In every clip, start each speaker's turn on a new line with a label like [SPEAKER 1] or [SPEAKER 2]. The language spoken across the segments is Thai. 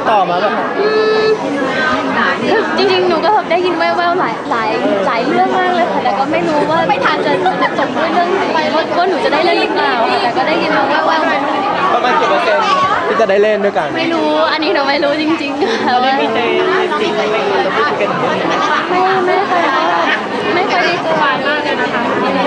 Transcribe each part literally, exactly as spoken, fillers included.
[SPEAKER 1] ดต่อมาแบบ
[SPEAKER 2] จริงๆหนูก็ได้ยินแว่วๆหลายหลายหลายเรื่องมากเลยค่ะแต่ก็ไม่รู้ว่าไม่ทันจะจะจบด้วยเรื่องว่าหนูจะได้เล่นหรือเปล่าแต่ก็ได้ยินมาแว่วๆ
[SPEAKER 1] ประมาณกี่เปอร์เซ็นต์ที่จะได้เล่นด้วยกัน
[SPEAKER 2] ไม่รู้อันนี้หนูไม่รู้จริงๆค่ะว่า
[SPEAKER 1] ไม่เจอจริงไม่เคยจะพูดกัน
[SPEAKER 2] ไม่ไม่เคยไม่เคยได้เจอมากเลยนะคะ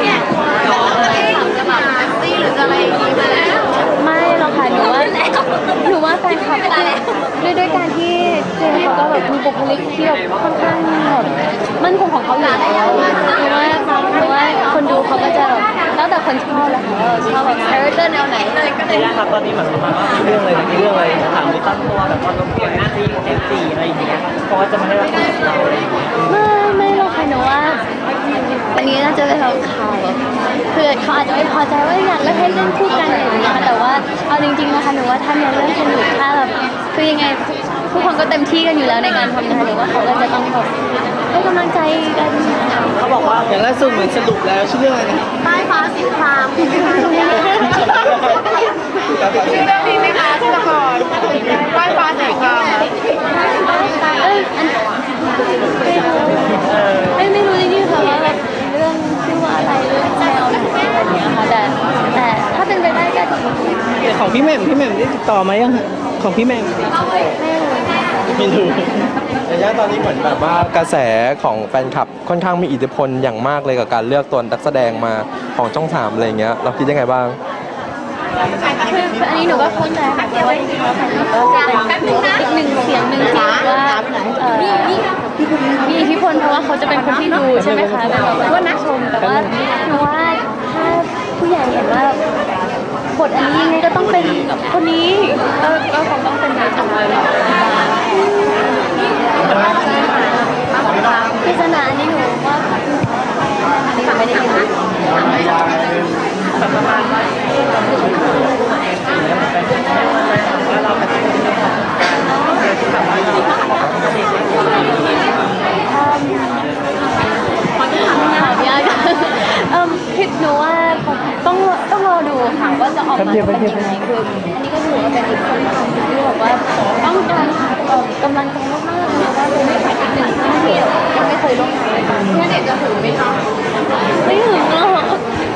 [SPEAKER 2] จะแบบแท็กซี่หรืออะไรอย่างงี้ไม่หรอกค่ะหนูว่าหนูว่าแฟนคลับด้วยด้วยการที่เจมเขาก็แบบมีบุคลิกที่แบบค่อนข้างแบบมั่นคงของเขาอยู่แล้วหรือว่าหรือว่าคนดูเขาก็จะแบบแล้วแต่คนชอบแหละค่ะชอบแบบคาแรคเตอร์แนวไหนเลยก็เลย
[SPEAKER 1] ครับตอนนี้เหมือนประมาณว่าเรื่องอะไรเรื่องอะไรถามมีตั้งตัวแบบว่าต้องเปลี่ยนหน้าที่เอฟซีอะไรอย่างเงี้ยเพราะว่าจะมาได้รับผลของเราอะไรอย่างเงี้ย
[SPEAKER 2] ไม่ไม่หรอกค่ะหนูว่าอันนี้น่าจะเป็นแบบข่าวคือเขาอาจจะไม่พอใจว่าอยากเล่นให้เล่นคู่กันอะไรอย่างเงี้ยแต่ว่าเอาจริงๆนะคะหนูว่าถ้าในเรื่องสนุกถ้าแบบคือยังไงทุกคนก็เต็มที่กันอยู่แล้วในการทำงานหรือว่าเขาก็จะต้องแบบให้กำลังใจกัน
[SPEAKER 1] เขาบอกว่าอย่างล่าสุดเหมือนสรุปแล้วชื่อเรื่องอะไรนะ
[SPEAKER 2] ใต้ฟ้าสีครามชื่อเรื่องนี้ไหมคะชื่อละครใต้ฟ้าสีครามเอ้ยอันไม่ไม่รู้จริงๆค่ะว่าแบบเรื่องชื่อว่าอะไรเรื่องแนวอะไรอย่างเงี้ยค่ะแต่แต่ถ้าเป็นไปได้ก็ดี
[SPEAKER 1] ของพี่แหม่มพี่แหม่มได้ติดต่อมายังของพี่แหม่มไม่รู้ระยะตอนนี้เหมือนแบบว่ากระแสของแฟนคลับค่อนข้างมีอิทธิพลอย่างมากเลยกับการเลือกตัวนักแสดงมาของช่องสามอะไรเงี้ยเราคิดยังไงบ้าง
[SPEAKER 2] คืออันนี้หนูก็เข้าใจค่ะเพราะว่าจริงๆแล้วแฟนคลับก็เป็นอีกหนึ่งเสียงหนึ่งที่ว่ามีอิทธิพลเพราะว่าเขาจะเป็นคนที่ดูใช่ไหมคะเป็นแบบว่านักชมแต่ว่าหนูว่าถ้าผู้ใหญ่เห็นว่าบทอันนี้ยังไงก็ต้องเป็นคนนี้ก็ก็คงต้องเป็นนายจำเลยพิจารณาอันนี้หนูว่าอันนี้ไม่ได้ยินนะประมาณว่าคิดหนูว่าต้องต้องรอดูค่ะว่าจะออกมาเป็นยังไงคืออันนี้ก็ถือว่าเป็นอีกคนที่บอกว่าต้องการกำลังใจมากๆเลยว่าเป็นไม่ขาดอีกหนึ่งที่ยังไม่เคยร่วมงานเลยค่ะเพื่อนเด็กจะถึงไหมคะไม่ถึงหรอก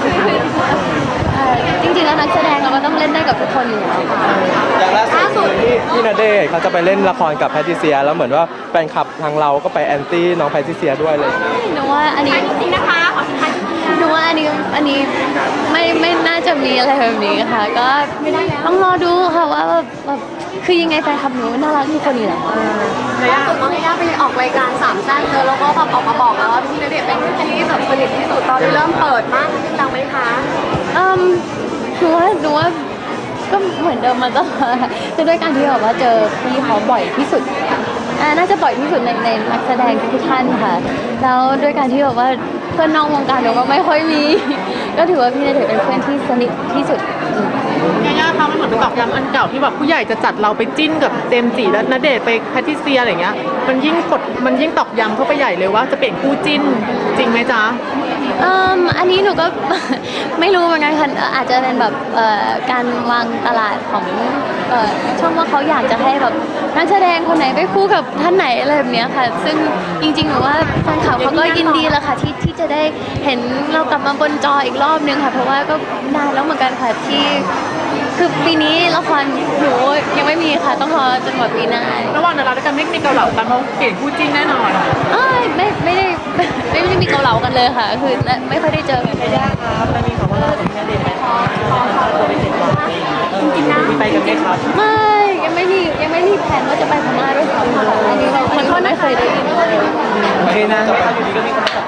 [SPEAKER 2] จริงๆแล้วนักแสดงเราก็ต้องเล่นได้กับทุกคนอยู่แล้วค่ะ
[SPEAKER 1] อย่างล่าสุดที่พี่ณเดชน์เขาจะไปเล่นละครกับแพทริเซียแล้วเหมือนว่าแฟนคลับทางเราก็ไปแอนตี้น้องแพทริเซียด้วยเลย
[SPEAKER 2] หนูว่าอันนี้จริงนะคะหนูว่าอันนี้อันนี้ไม่ไม่น่าจะมีอะไรแบบนี้ค่ะก็ต้องรอดูค่ะว่าแบบคือยังไงแฟนคลับหนูน่ารักทุกคนอยู่แล้ว
[SPEAKER 3] ล่าสุดน้องย่าไปออกรายการสามแซ่บเจอแล้วก็แบบออกมาบอกแล้วว่าพี่ณเดชน์เป็นคนที่แบบสนิทที่สุดตอนที่เริ่มเปิดมากจริงจังไหมคะ
[SPEAKER 2] อืมหนูว่าหนูว่าก็เหมือนเดิมมาตลอดคือด้วยการที่แบบว่าเจอพี่เขาบ่อยที่สุดอ่าน่าจะบ่อยที่สุดในในนักแสดงทุกท่านค่ะแล้วด้วยการที่แบบว่าเพื่อนนอกวงการหนูก็ไม่ค่อยมีก็ถือว่าพี่ณเดชน์เป็นเพื่อนที่สนิทที่สุด
[SPEAKER 3] ย่าย่าคะมันเหมือนเป็นตอกย้ำอันเก่าที่แบบผู้ใหญ่จะจัดเราไปจิ้นกับเจมส์จิและณเดชน์ไปแพทริเซียอะไรเงี้ยมันยิ่งกดมันยิ่งตอกย้ำเข้าไปใหญ่เลยว่าจะเปลี่ยนคู่จิ้นจริงไหมจ๊ะ
[SPEAKER 2] อืมอันนี้หนูก็ ไม่รู้เหมือนกันค่ะอาจจะเป็นแบบการวางตลาดของช่องว่าเขาอยากจะให้แบบนักแสดงคนไหนไปคู่กับท่านไหนอะไรแบบนี้ค่ะซึ่งจริงๆหนูว่าแฟนคลับเขาก็ยินดีแหละค่ะที่ที่จะได้เห็นเรากลับมาบนจออีกรอบนึงค่ะเพราะว่าก็นานแล้วเหมือนกันค่ะที่คือปีนี้ละครหนูยังไม่มีค่ะต้องรอจนกว่าปีหน้า
[SPEAKER 3] ระหว่างดาราด้วยกันไม่มีเกาเหลากันเพราะเปลี่ยนคู่จิ้นแน่นอน
[SPEAKER 2] เอ้ยไม่ไม่ได้ไม่ได้มีเกาเหลากันเลยค่ะคือไม่ค่อยได้เจอกัน
[SPEAKER 1] ไม่ยากครับไม่มีคำว่าเราเป็นแค่เด็กไหมครับตัวไปเจ็ดวัน
[SPEAKER 2] จริงๆนะ
[SPEAKER 1] มีไปกันไหมครับ
[SPEAKER 2] ไม่ยังไม่มียังไม่มีแผนว่าจะไปพม่าด้วยซ้ำอันนี้เราคนก็ไม่เคยได้ยินเลย
[SPEAKER 1] โอเคนะอยู่ดีก็มีคนมาจับ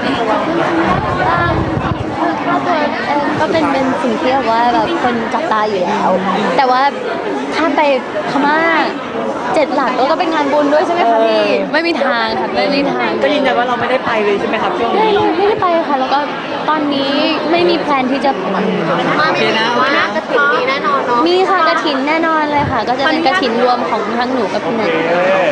[SPEAKER 2] ค่าตัวก็เป็นเป็นสิ่งที่แบบว่าแบบคนจับตาอยู่แล้วแต่ว่าถ้าไปพม่าเจ็ดหลักก็เป็นงานบุญด้วยใช่ไหมคะพี่ไม่มีทางค่ะไม่มีทาง
[SPEAKER 1] ก็ยืนยันว่าเราไม่ได้ไปเลยใช่ไหมครับช่วงนี้
[SPEAKER 2] ไม่ได้ไปค่ะแล้วก็ตอนนี้ไม่มีแพลนที่จะ
[SPEAKER 3] มาไม่มีว่ากระถิ่นมีแน่นอนเนาะ
[SPEAKER 2] มีค่ะกระถิ่นแน่นอนเลยค่ะก็จะเป็นกระถิ่นรวมของทั้งหนูกับพี่นัน